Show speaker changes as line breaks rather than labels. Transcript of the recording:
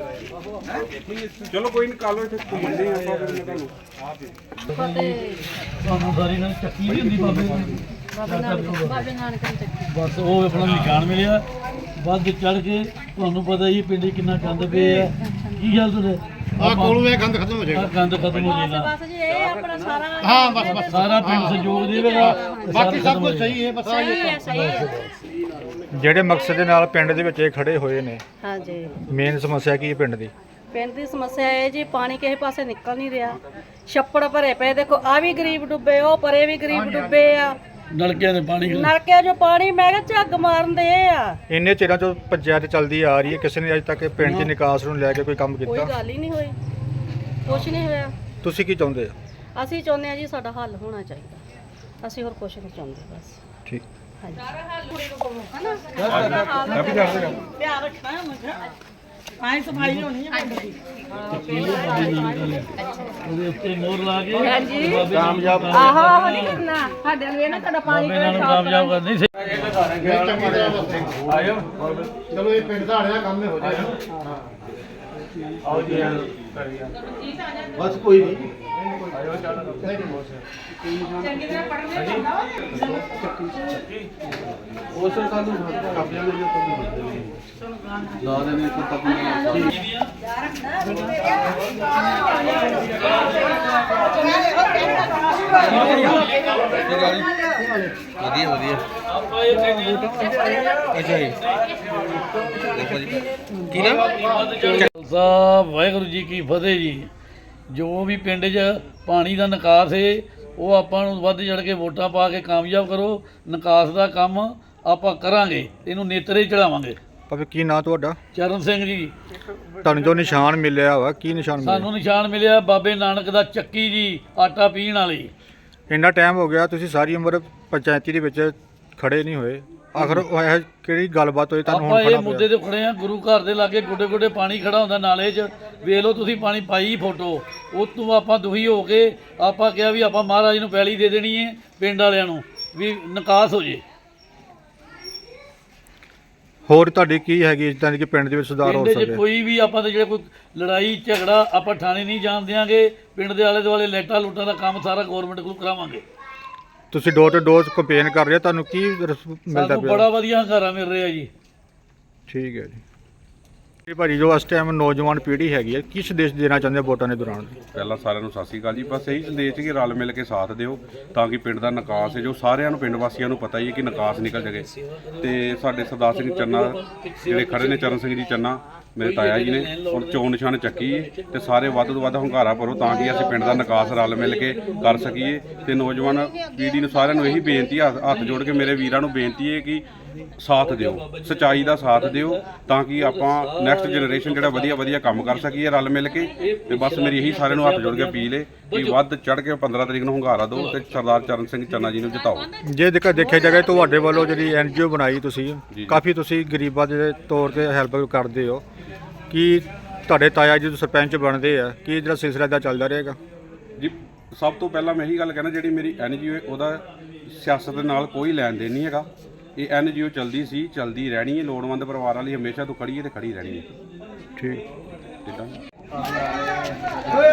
ਚਲੋ ਕੋਈ ਨਹੀਂ ਕੱਲ ਇੱਥੇ ਘੁੰਮਦੇ ਆਪਾਂ ਫਿਰ ਮੈਂ ਤੁਹਾਨੂੰ
ਤੁਹਾਨੂੰ ਸਾਰੀ ਨਾਲ ਚੱਕੀ ਵੀ ਹੁੰਦੀ ਬਾਬੇ
ਨਾਨਕ ਦੀ
ਬਸ ਉਹ ਆਪਣਾ ਨਿਸ਼ਾਨ ਮਿਲਿਆ ਵੱਧ ਚੜ ਕੇ ਤੁਹਾਨੂੰ ਪਤਾ ਹੀ ਪਿੰਡ 'ਚ ਕਿੰਨਾ ਗੰਦ ਪਿਆ ਕੀ ਗੱਲ ਤੁਹਾਡੇ
ਆ ਕੋਲੋਂ ਇਹ ਗੰਦ ਖਤਮ ਹੋ ਜਾਏਗਾ
ਗੰਦ ਖਤਮ ਹੋ ਜਾਏਗਾ
ਬਸ ਜੀ ਇਹ ਆਪਣਾ ਸਾਰਾ
ਹਾਂ ਬਸ
ਸਾਰਾ ਪਿੰਡ ਸਹਿਯੋਗ ਦੇਵੇਗਾ
ਬਾਕੀ ਸਭ ਕੁਝ ਸਹੀ ਹੈ ਬਸ
ਸਹੀ ਹੈ
ਜਿਹੜੇ ਮਕਸਦ ਦੇ ਨਾਲ ਪਿੰਡ ਦੇ ਵਿੱਚ ਇਹ ਖੜੇ ਹੋਏ ਨੇ
ਹਾਂਜੀ
ਮੇਨ ਸਮੱਸਿਆ ਕੀ ਹੈ ਪਿੰਡ ਦੀ?
ਪਿੰਡ ਦੀ ਸਮੱਸਿਆ ਇਹ ਜੀ ਪਾਣੀ ਕਿਸੇ ਪਾਸੇ ਨਿਕਲ ਨਹੀਂ ਰਿਹਾ ਛੱਪੜ ਭਰੇ ਪਏ ਦੇਖੋ ਆ ਵੀ ਗਰੀਬ ਡੁੱਬੇ ਉਹ ਪਰੇ ਵੀ ਗਰੀਬ ਡੁੱਬੇ ਆ
ਨਲਕਿਆਂ ਦੇ ਪਾਣੀ
ਨਲਕਿਆਂ 'ਚੋਂ ਪਾਣੀ ਮੈਂ ਕਿਹਾ ਝੱਗ ਮਾਰਦੇ ਆ
ਇੰਨੇ ਚਿਰਾਂ ਤੋਂ ਪੰਚਾਇਤ ਚੱਲਦੀ ਆ ਰਹੀ ਹੈ, ਕਿਸੇ ਨੇ ਅਜੇ ਤੱਕ ਪਿੰਡ ਦੀ ਨਿਕਾਸ ਨੂੰ ਲੈ ਕੇ ਕੋਈ ਕੰਮ
ਕੋਈ
ਕੀਤਾ?
ਗੱਲ ਹੀ ਨਹੀਂ ਹੋਈ ਕੁਛ ਨਹੀਂ ਹੋਇਆ
ਤੁਸੀਂ ਕੀ ਚਾਹੁੰਦੇ ਆ?
ਅਸੀਂ ਚਾਹੁੰਦੇ ਆ ਜੀ ਸਾਡਾ ਹੱਲ ਹੋਣਾ ਚਾਹੀਦਾ ਅਸੀਂ ਹੋਰ ਕੁਛ ਨਹੀਂ ਚਾਹੁੰਦੇ ਬਸ
ਠੀਕ।
ਧਿਆਨ ਰੱਖਣਾ ਆਈ ਸਫਾਈ ਹੋਣੀ ਹੈ ਪਿੰਡ ਦੀ
ਉਹਦੇ ਉੱਤੇ ਮੋਹਰ ਲਾ ਕੇ
ਕਾਮਯਾਬ
ਆਹੋ ਨਹੀਂ ਕਰਨਾ ਸਾਡੇ ਨੂੰ ਇਹ ਨਾ ਤੁਹਾਡਾ ਪਾਣੀ
ਬਾਬੇ ਨਾਲ ਕਾਮਯਾਬ ਕਰਨੀ ਸੀ
ਆਇਓ ਚਲੋ ਇਹ ਪਿੰਡ ਦਾ ਆੜਿਆ ਕੰਮ ਹੋ ਜਾਏਗਾ
ਆਓ ਜੀ
ਬਸ ਕੋਈ ਨਹੀਂ
ਉਸ ਸਾਨੂੰ ਕਾਪੀਆਂ ਦੇ ਲਾ ਦੇਣੇ ਤੱਕ ਵਧੀਆ ਵਧੀਆ ਅੱਛਾ ਜੀ ਦੇਖੋ ਜੀ ਕੀ ਨਾਮ
ਖਾਲਸਾ ਵਾਹਿਗੁਰੂ ਜੀ ਕੀ ਫਤਿਹ ਜੀ। ਜੋ ਵੀ ਪਿੰਡ 'ਚ ਪਾਣੀ ਦਾ ਨਿਕਾਸ ਹੈ ਉਹ ਆਪਾਂ ਨੂੰ ਵੱਧ ਚੜ ਕੇ ਵੋਟਾਂ ਪਾ ਕੇ ਕਾਮਯਾਬ ਕਰੋ। ਨਿਕਾਸ ਦਾ ਕੰਮ ਆਪਾਂ ਕਰਾਂਗੇ, ਇਹਨੂੰ ਨੇਤਰੇ ਚੜਾਵਾਂਗੇ।
ਭਾਵੇਂ ਕੀ ਨਾਂ ਤੁਹਾਡਾ?
ਚਰਨ ਸਿੰਘ ਜੀ।
ਤੁਹਾਨੂੰ ਜੋ ਨਿਸ਼ਾਨ ਮਿਲਿਆ ਵਾ ਕੀ ਨਿਸ਼ਾਨ ਮਿਲਿਆ?
ਸਾਨੂੰ ਨਿਸ਼ਾਨ ਮਿਲਿਆ ਬਾਬੇ ਨਾਨਕ ਦਾ ਚੱਕੀ ਜੀ, ਆਟਾ ਪੀਣ ਵਾਲੀ।
ਇੰਨਾ ਟਾਈਮ ਹੋ ਗਿਆ ਤੁਸੀਂ ਸਾਰੀ ਉਮਰ ਪੰਚਾਇਤੀ ਦੇ ਵਿੱਚ ਖੜੇ ਨਹੀਂ ਹੋਏ, ਆਖਰ ਉਹ ਇਹ ਕਿਹੜੀ ਗੱਲਬਾਤ ਹੋਈ ਤੁਹਾਨੂੰ
ਆਪਾਂ
ਹੁਣ
ਇਹ
ਖੜਾ
ਮੁੱਦੇ ਤੇ ਖੜੇ ਆ, ਗੁਰੂ ਘਰ ਦੇ ਲਾਗੇ ਗੋਡੇ ਗੋਡੇ ਪਾਣੀ ਖੜਾ ਹੁੰਦਾ ਨਾਲੇ 'ਚ। ਵੇਖ ਲਓ ਤੁਸੀਂ ਪਾਣੀ ਪਾਈ ਫੋਟੋ, ਉਹ ਤੋਂ ਆਪਾਂ ਦੁਖੀ ਹੋ ਕੇ ਆਪਾਂ ਕਿਹਾ ਵੀ ਆਪਾਂ ਮਹਾਰਾਜ ਨੂੰ ਪੈਲੀ ਦੇ ਦੇਣੀ ਹੈ, ਪਿੰਡ ਵਾਲਿਆਂ ਨੂੰ ਵੀ ਨਿਕਾਸ ਹੋ ਜੇ।
ਹੋਰ ਤੁਹਾਡੀ ਕੀ ਹੈਗੀ ਜਿੱਦਾਂ ਕਿ ਪਿੰਡ ਦੇ ਵਿੱਚ ਸੁਧਾਰ ਹੋ
ਪਿੰਡ 'ਚ
ਸਕੇ?
ਕੋਈ ਵੀ ਆਪਾਂ ਤੇ ਜਿਹੜਾ ਕੋਈ ਲੜਾਈ ਝਗੜਾ ਆਪਾਂ ਥਾਣੇ ਨਹੀਂ ਜਾਣ ਦਿਆਂਗੇ। ਪਿੰਡ ਦੇ ਆਲੇ ਦੁਆਲੇ ਲਾਈਟਾਂ ਲੂਟਾਂ ਦਾ ਕੰਮ ਸਾਰਾ ਗਵਰਨਮੈਂਟ ਕੋਲ ਕਰਾਵਾਂਗੇ।
ਤੁਸੀਂ ਡੋਰ ਟੂ ਡੋਰ ਕੰਪੇਨ ਕਰ ਰਹੇ ਹੋ, ਤੁਹਾਨੂੰ ਕੀ ਮਿਲਦਾ
ਸਾਨੂੰ
ਪਿਆ?
ਬੜਾ ਵਧੀਆ ਹੰਗਾਰਾ ਮਿਲ ਰਿਹਾ ਜੀ।
ਠੀਕ ਹੈ ਜੀ। ਇਹ ਭਾਜੀ ਜੋ ਇਸ ਟਾਈਮ ਨੌਜਵਾਨ ਪੀੜ੍ਹੀ ਹੈਗੀ ਹੈ, ਕੀ ਸੰਦੇਸ਼ ਦੇਣਾ ਚਾਹੁੰਦੇ ਹੋ ਵੋਟਾਂ ਦੇ ਦੌਰਾਨ?
ਪਹਿਲਾਂ ਸਾਰਿਆਂ ਨੂੰ ਸਤਿ ਸ਼੍ਰੀ ਅਕਾਲ ਜੀ। ਬਸ ਇਹੀ ਸੰਦੇਸ਼ ਕਿ ਰਲ ਮਿਲ ਕੇ ਸਾਥ ਦਿਓ ਤਾਂ ਕਿ ਪਿੰਡ ਦਾ ਨਿਕਾਸ ਹੈ ਜੋ ਸਾਰਿਆਂ ਨੂੰ ਪਿੰਡ ਵਾਸੀਆਂ ਨੂੰ ਪਤਾ ਹੀ ਹੈ ਕਿ ਨਿਕਾਸ ਨਿਕਲ ਜਾਵੇ। ਤੇ ਸਾਡੇ ਸਰਦਾਰ ਸਿੰਘ ਚੰਨਾ ਜਿਹੜੇ ਖੜੇ ਨੇ, ਚਰਨ ਸਿੰਘ ਜੀ ਚੰਨਾ ਮੇਰੇ ਤਾਇਆ ਜੀ ਨੇ, ਔਰ ਚੋਣ ਨਿਸ਼ਾਨ ਚੱਕੀ ਤੇ ਸਾਰੇ ਵੱਧ ਤੋਂ ਵੱਧ ਹੰਗਾਰਾ ਭਰੋ ਤਾਂ ਕਿ ਅਸੀਂ ਪਿੰਡ ਦਾ ਨਿਕਾਸ ਰਲ ਮਿਲ ਕੇ ਕਰ ਸਕੀਏ। ਤੇ ਨੌਜਵਾਨ ਪੀੜ੍ਹੀ ਨੂੰ ਸਾਰਿਆਂ ਨੂੰ ਇਹੀ ਬੇਨਤੀ, ਹੱਥ ਜੋੜ ਕੇ ਮੇਰੇ ਵੀਰਾਂ ਨੂੰ ਬੇਨਤੀ ਹੈ ਕਿ ਸਾਥ ਦਿਓ, ਸੱਚਾਈ ਦਾ ਸਾਥ ਦਿਓ ਤਾਂ ਕਿ ਆਪਾਂ ਨੈਕਸਟ ਜਨਰੇਸ਼ਨ ਜਿਹੜਾ ਵਧੀਆ ਵਧੀਆ ਕੰਮ ਕਰ ਸਕੀਏ ਰਲ ਮਿਲ ਕੇ। ਤੇ ਬਸ ਮੇਰੀ ਇਹੀ ਸਾਰਿਆਂ ਨੂੰ ਹੱਥ ਜੋੜ ਕੇ ਅਪੀਲ ਹੈ ਕਿ ਵੱਧ ਚੜ ਕੇ 15 ਤਰੀਕ ਨੂੰ ਹੰਗਾਰਾ ਦਿਓ ਤੇ ਸਰਦਾਰ ਚਰਨ ਸਿੰਘ ਚੰਨਾ ਜੀ ਨੂੰ ਜਿਤਾਓ।
ਜੇ ਦੇਖਿਆ ਜਾਵੇ ਤੁਹਾਡੇ ਵੱਲੋਂ ਜਿਹੜੀ NGO ਬਣਾਈ ਤੁਸੀਂ, ਕਾਫੀ ਤੁਸੀਂ ਗਰੀਬਾਂ ਦੇ ਤੌਰ ਤੇ ਹੈਲਪ ਕਰਦੇ ਹੋ, ਕੀ ਤੁਹਾਡੇ ਤਾਇਆ ਜੀ ਸਰਪੰਚ ਬਣਦੇ ਆ, ਕੀ ਜਿਹੜਾ ਸਿਲਸਿਲਾ ਦਾ ਚੱਲਦਾ ਰਹੇਗਾ?
ਜੀ ਸਭ ਤੋਂ ਪਹਿਲਾਂ ਮੈਂ ਇਹੀ ਗੱਲ ਕਹਿਣਾ, ਜਿਹੜੀ ਮੇਰੀ NGO ਹੈ ਉਹਦਾ ਸਿਆਸਤ ਦੇ ਨਾਲ ਕੋਈ ਲੈਣ ਦੇਣ ਨਹੀਂ ਹੈਗਾ। ਇਹ NGO ਚੱਲਦੀ ਸੀ, ਚੱਲਦੀ ਰਹਿਣੀ ਹੈ, ਲੋੜਵੰਦ ਪਰਿਵਾਰਾਂ ਲਈ ਹਮੇਸ਼ਾ ਤੋਂ ਖੜੀ ਹੈ ਤੇ ਖੜੀ ਰਹਿਣੀ ਹੈ।
ਠੀਕ।
ਠੀਕ ਹੈ।